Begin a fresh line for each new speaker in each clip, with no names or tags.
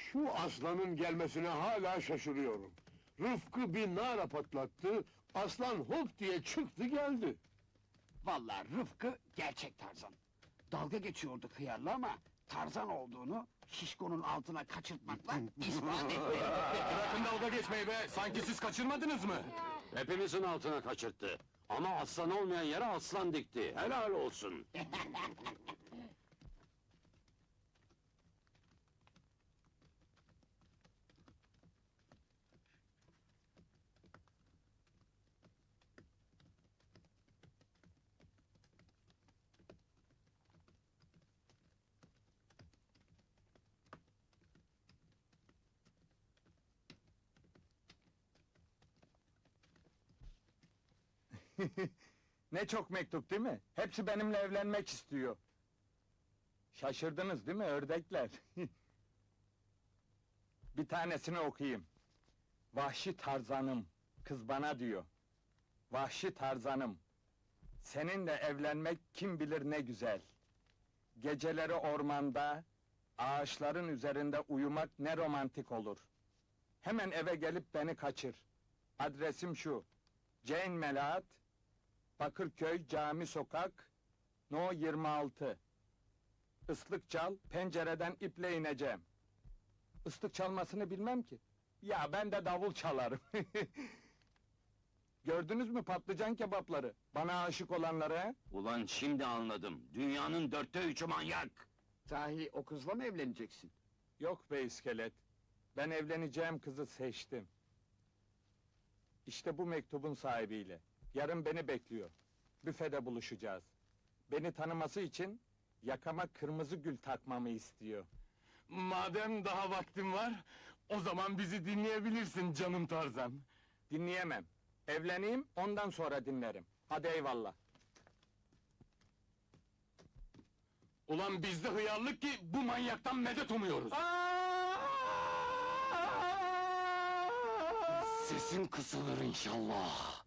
Şu aslanın gelmesine hala şaşırıyorum. Rıfkı bir nara patlattı, aslan hop diye çıktı geldi.
Vallahi Rıfkı gerçek Tarzan. Dalga geçiyordu hıyarla ama Tarzan olduğunu şişkonun altına kaçırtmakla ispat etti.
Bırakın dalga geçmeyi be! Sanki siz kaçırmadınız mı?
Hepimizin altına kaçırttı. Ama aslan olmayan yere aslan dikti. Helal olsun.
Ne çok mektup değil mi? Hepsi benimle evlenmek istiyor. Şaşırdınız değil mi ördekler? Bir tanesini okuyayım. Vahşi Tarzanım, kız bana diyor. Vahşi Tarzanım, seninle evlenmek kim bilir ne güzel. Geceleri ormanda, ağaçların üzerinde uyumak ne romantik olur. Hemen eve gelip beni kaçır. Adresim şu: Jane Melahat, Bakırköy Cami Sokak, No 26. Islık çal, pencereden iple ineceğim. Islık çalmasını bilmem ki. Ya ben de davul çalarım. Gördünüz mü patlıcan kebapları? Bana aşık olanları he?
Ulan şimdi anladım. Dünyanın 3'ü manyak.
Sahi o kızla mı evleneceksin?
Yok be iskelet. Ben evleneceğim kızı seçtim. İşte bu mektubun sahibiyle. Yarın beni bekliyor. Büfede buluşacağız. Beni tanıması için yakama kırmızı gül takmamı istiyor.
Madem daha vaktin var, o zaman bizi dinleyebilirsin canım Tarzan.
Dinleyemem. Evleneyim, ondan sonra dinlerim. Hadi eyvallah.
Ulan bizde hıyarlık ki bu manyaktan medet umuyoruz.
Sesin kısılır inşallah.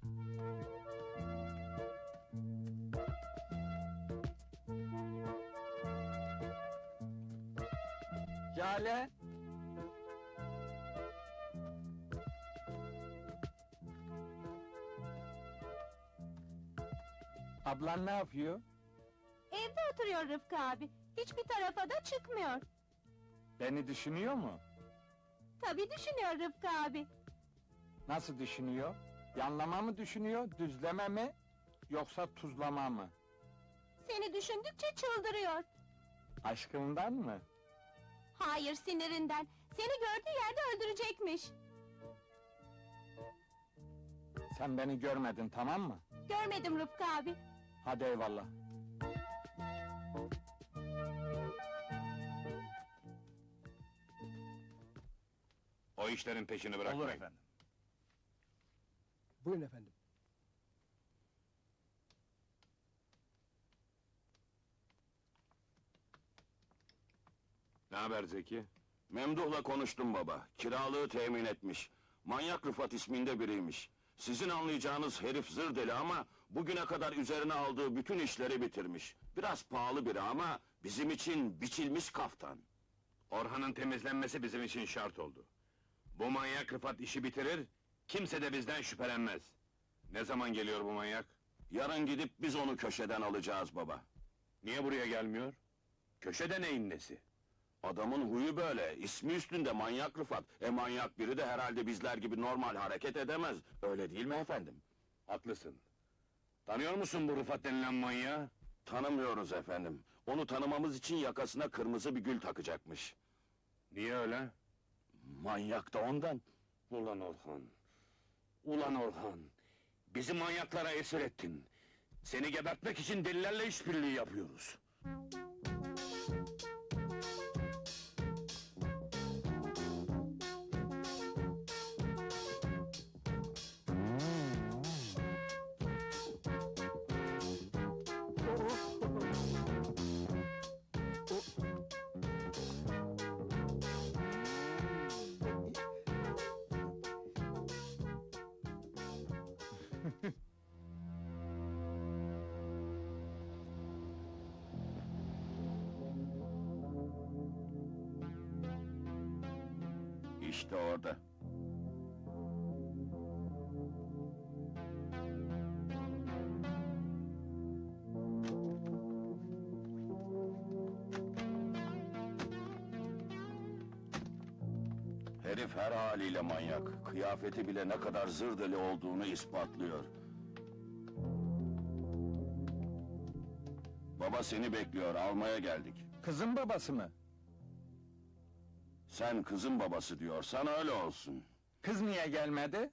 Jale! Ablan ne yapıyor?
Evde oturuyor Rıfkı abi. Hiçbir tarafa da çıkmıyor.
Beni düşünüyor mu?
Tabii düşünüyor Rıfkı abi.
Nasıl düşünüyor? Yanlama mı düşünüyor, düzleme mi? Yoksa tuzlama mı?
Seni düşündükçe çıldırıyor.
Aşkından mı?
Hayır, sinirinden. Seni gördüğü yerde öldürecekmiş.
Sen beni görmedin, tamam mı?
Görmedim Rıfkı abi.
Hadi eyvallah.
O işlerin peşini bırakmayın.
Olur efendim.
Buyurun efendim.
Ne haber Zeki?
Memduh'la konuştum baba. Kiralığı temin etmiş. Manyak Rıfat isminde biriymiş. Sizin anlayacağınız herif zır deli ama bugüne kadar üzerine aldığı bütün işleri bitirmiş. Biraz pahalı biri ama bizim için biçilmiş kaftan.
Orhan'ın temizlenmesi bizim için şart oldu. Bu manyak Rıfat işi bitirir, kimse de bizden şüphelenmez. Ne zaman geliyor bu manyak?
Yarın gidip biz onu köşeden alacağız baba.
Niye buraya gelmiyor? Köşede neyin nesi?
Adamın huyu böyle, ismi üstünde manyak Rıfat. Manyak biri de herhalde bizler gibi normal hareket edemez. Öyle değil mi efendim?
Haklısın. Tanıyor musun bu Rıfat denilen manyağı?
Tanımıyoruz efendim. Onu tanımamız için yakasına kırmızı bir gül takacakmış.
Niye öyle?
Manyak da ondan.
Ulan Orhan! Ulan Orhan! Bizi manyaklara esir ettin. Seni gebertmek için delilerle işbirliği yapıyoruz.
İşte orada. Herif her haliyle manyak. Kıyafeti bile ne kadar zır deli olduğunu ispatlıyor. Baba seni bekliyor, almaya geldik.
Kızın babası mı?
Sen kızın babası diyorsan öyle olsun.
Kız niye gelmedi?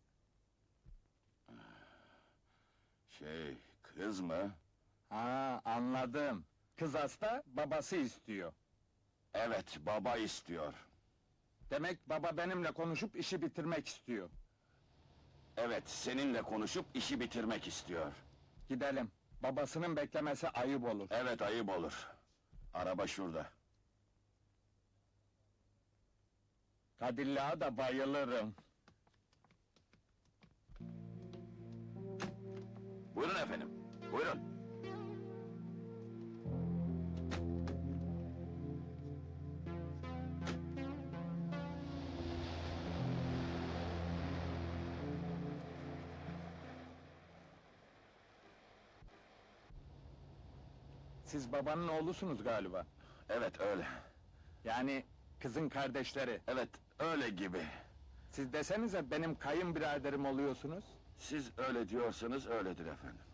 Kız mı?
Ha, anladım. Kız hasta, babası istiyor.
Evet, baba istiyor.
Demek baba benimle konuşup işi bitirmek istiyor.
Evet, seninle konuşup işi bitirmek istiyor.
Gidelim. Babasının beklemesi ayıp olur.
Evet, ayıp olur. Araba şurada.
Kadilla'ya da bayılırım.
Buyurun efendim, buyurun.
Siz babanın oğlusunuz galiba.
Evet, öyle.
Yani kızın kardeşleri.
Evet, öyle gibi.
Siz desenize benim kayınbiraderim oluyorsunuz.
Siz öyle diyorsanız öyledir efendim.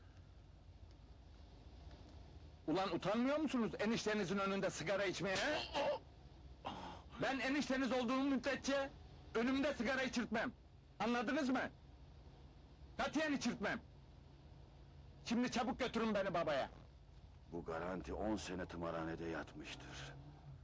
Ulan utanmıyor musunuz eniştenizin önünde sigara içmeye? he? Ben enişteniz olduğum müddetçe önümde sigara içirtmem. Anladınız mı? Katiyen içirtmem. Şimdi çabuk götürün beni babaya.
Bu garanti 10 sene tımarhanede yatmıştır.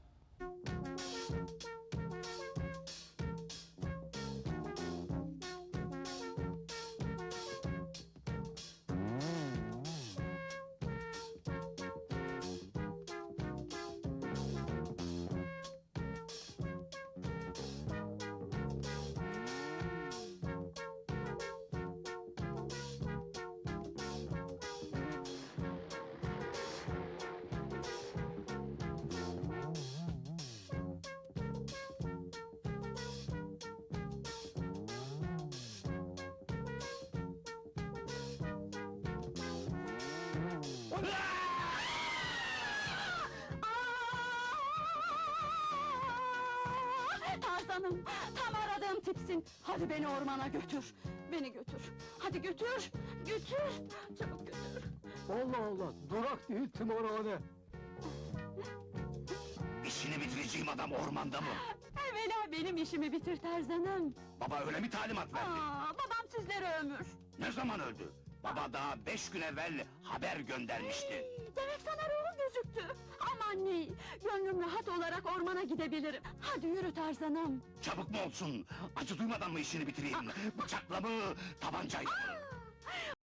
Tarzanım, tam aradığım tipsin. Hadi beni ormana götür. Beni götür. Hadi götür, götür. Çabuk götür.
Allah Allah, durak değil tımarhane.
İşini bitireceğim adam ormanda mı?
Evvela benim işimi bitir Tarzanım.
Baba öyle mi talimat verdi?
Babam sizlere ömür.
Ne zaman öldü? Baba daha 5 gün evvel haber göndermişti.
Demek sana ruhu gözüktü. Aman ne, gönlüm rahat olarak ormana gidebilirim. Hadi yürü Tarzanım.
Çabuk mu olsun? Acı duymadan mı işini bitireyim? Bıçakla mı, tabancayla mı?